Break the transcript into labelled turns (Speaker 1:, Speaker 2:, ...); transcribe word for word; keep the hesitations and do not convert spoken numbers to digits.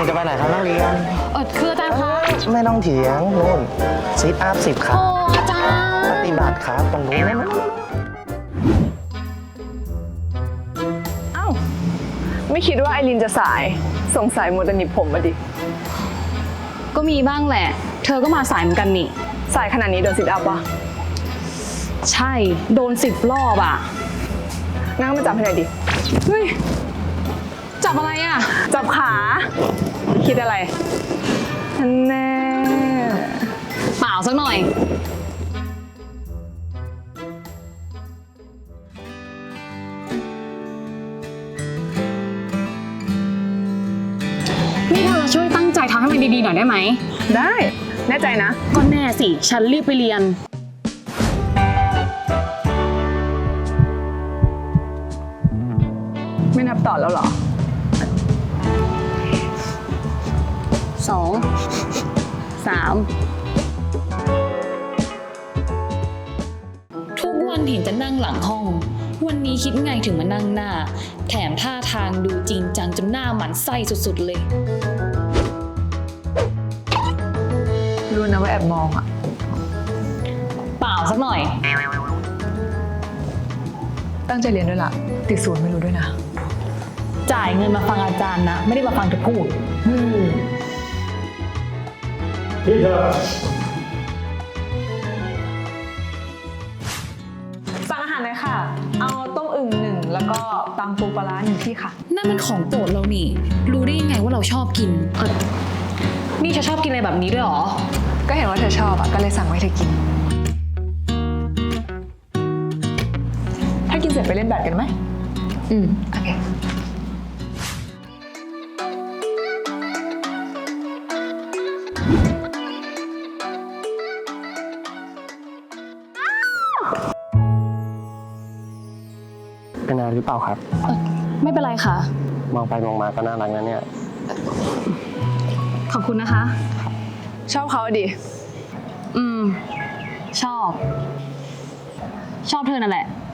Speaker 1: จะไปไหนครับนักเรียน
Speaker 2: เออคืออาจารย์คะ
Speaker 1: ไม่ต้องเถียงนู่นซิทอัพสิบครั้ง
Speaker 2: โอ้อาจารย์
Speaker 1: ปฏิบัติครับตรงนู้น
Speaker 3: เอ้าไม่คิดว่าไอรินจะสายสงสัยมัวแต่หนีบผมมาดิ
Speaker 2: ก็มีบ้างแหละเธอก็มาสายเหมือนกันนี่
Speaker 3: สายขนาดนี้โดนซิทอัพวะ
Speaker 2: ใช่โดนสิบรอบอ่ะ
Speaker 3: งั้นมาจับให้หน่อยดิ
Speaker 2: เฮ้ยจับอะไรอ่ะ
Speaker 3: จับขาคิดอะไรแน่
Speaker 2: เปล่าสักหน่อยนี่เธอช่วยตั้งใจทำให้มันดีๆหน่อยได้ไหม
Speaker 3: ได้แน่ใจนะ
Speaker 2: ก็แน่สิฉันรีบไปเรียน
Speaker 3: ไม่นับต่อแล้วเหรอ
Speaker 2: สองสามทุกวันเห็นจะนั่งหลังห้องวันนี้คิดไงถึงมานั่งหน้าแถมท่าทางดูจริงจังจนหน้าหมันไส้สุดๆเลย
Speaker 3: รู้นะว่าแอบมองอ่ะ
Speaker 2: เปล่าสักหน่อย
Speaker 3: ตั้งใจเรียนด้วยล่ะติดศูนย์ไม่รู้ด้วยนะ
Speaker 2: จ่ายเงินมาฟังอาจารย์นะไม่ได้มาฟังเธอพูด
Speaker 4: นี่เธอ
Speaker 3: สั่งอาหารเลยค่ะเอาต้มอึ่งหนึ่งแล้วก็ตำปูปลาร้าหนึ่งที่ค่ะ
Speaker 2: นั่นมันของโปรดเรานี่รู้ได้ยังไงว่าเราชอบกินเออนี่เธอชอบกินอะไรแบบนี้ด้วยหรอ
Speaker 3: ก็เห็นว่าเธอชอบอ่ะก็เลยสั่งไว้เธอกินถ้ากินเสร็จไปเล่นแบดกันไหม
Speaker 2: อืม
Speaker 3: โอเค
Speaker 1: เป็นอะไรหรือเปล่าครับ
Speaker 2: ไม่เป็นไรค่ะ
Speaker 1: มองไปมองมาก็น่ารักนะเนี่ย
Speaker 2: ขอบคุณนะคะ
Speaker 3: ชอบเขาดิ
Speaker 2: อืมชอบชอบเธอนั่นแหละ